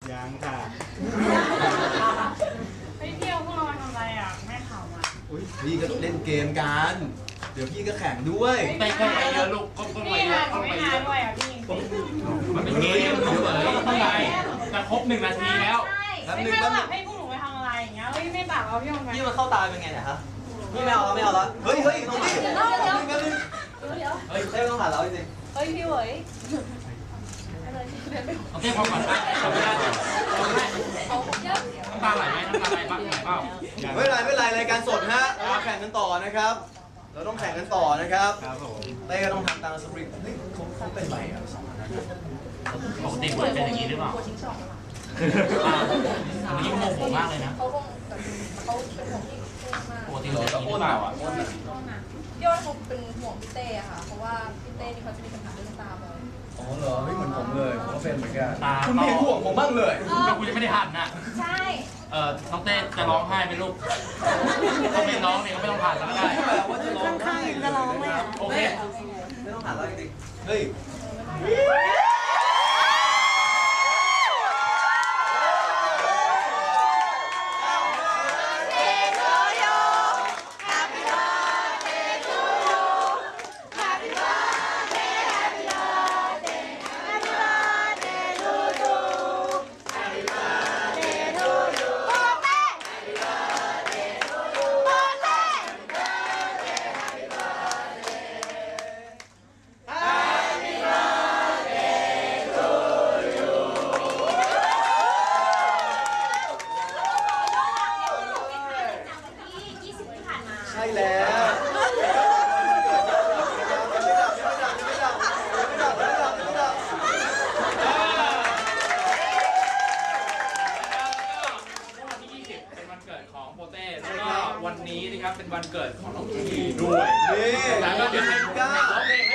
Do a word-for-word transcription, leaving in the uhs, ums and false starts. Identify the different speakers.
Speaker 1: ยังค่ะ
Speaker 2: ไปเที่ยวพวกเรามาทำอะไรอ่ะแม่ข่าวมา
Speaker 1: อุ้ยพี่ก็เล่นเกมกันเดี๋ยวพี่ก็แข่งด้วย
Speaker 3: ไปก้มไปเยอะลูกก้มก้มไป
Speaker 2: พี่
Speaker 3: เย
Speaker 2: นะ
Speaker 3: อะ
Speaker 2: หนู
Speaker 3: ก้ม
Speaker 2: ไม่
Speaker 3: ไปเย
Speaker 2: มา
Speaker 3: อะ
Speaker 2: ด้วยอ่ะพี่
Speaker 3: มันเป็นเกมเฉยๆทำไมจะครบหนึ่งนาทีแล้ว
Speaker 2: ไม่ไม่แบบให้พวกหนูไปทำอะไรอย่างเงี้ยเฮ้ยไม่ปากเราพี่ออกมา
Speaker 4: นี่มันเข้าตาเป็นไงเนี่ยฮะนี่ไม่เอาแล้วไม่เอาแล้วเฮ้ยเฮ้ยตรงนี้
Speaker 5: เดี๋ยวเดี๋ยว
Speaker 4: เดี๋ยว
Speaker 5: เดี๋ยว
Speaker 4: เฮ้ยไม่ต้องผ่านแล้วจริง
Speaker 5: เฮ้ยพี่เว้ย
Speaker 3: โอเคพอก่อนนะทำไม่ได้ทำไม่ได้
Speaker 5: เขาเยอะ
Speaker 3: น้ำตาไหลไหมน้ำตาไหลบ้างไหลเปล่า
Speaker 4: ไม่เป็นไรไม่เป็นไรรายการสดฮะเราแข่งกันต่อนะครับ เราต้องแข่งกันต่อนะครับ
Speaker 1: ครับผม
Speaker 4: เต้ก็ต้องทำตามสปริงเฮ้ยเขาเขาเป็นไรอ่ะสองคนนั้น
Speaker 3: ปกติมันเป็นอย่างนี้หรือเปล่าอันนี้โมโหมากเลยนะ
Speaker 5: เขาคงแบบเขาเป็นห่วงพี่เต้มาก
Speaker 3: ปกติมันเป็นอย่างนี้หรือเปล่าอ่ะ
Speaker 5: ยอดเขาเป็นห่วงพี่เต้อะค่ะ เพราะว่าพี่เต้นี่เขาจะมีปัญหาเรื่องตาบ่อย
Speaker 4: อ๋อเหรอไม่เหมือนผมเลยผมก็เป็นเหมือนกัน
Speaker 3: ตา
Speaker 4: คุณไม่เห็นห่วงผมบ้างเลย
Speaker 3: ก็กูจะไม่ได้หันน่ะ
Speaker 5: ใช่
Speaker 3: เอ่อน้องเต้จะร้องไห้ไหมลูกเขาเป็นน้องเนี่ยก็ไม่ต้องผ่านก็ได้
Speaker 4: ว่าจะร้องไห้จะร้องไหม
Speaker 3: โอเค
Speaker 4: ไม่ต้องผ่านแล้วจริงๆเฮ้ย ใช่แล้ว
Speaker 3: วันที่ยี่สิบเป็นวันเกิดของโปเต้แล้วก็วันนี้นะครับเป็นวันเกิดของน้องทีด้วย
Speaker 4: นี่
Speaker 3: แล้วก็เดี๋ยวให้ผมร้องเพลง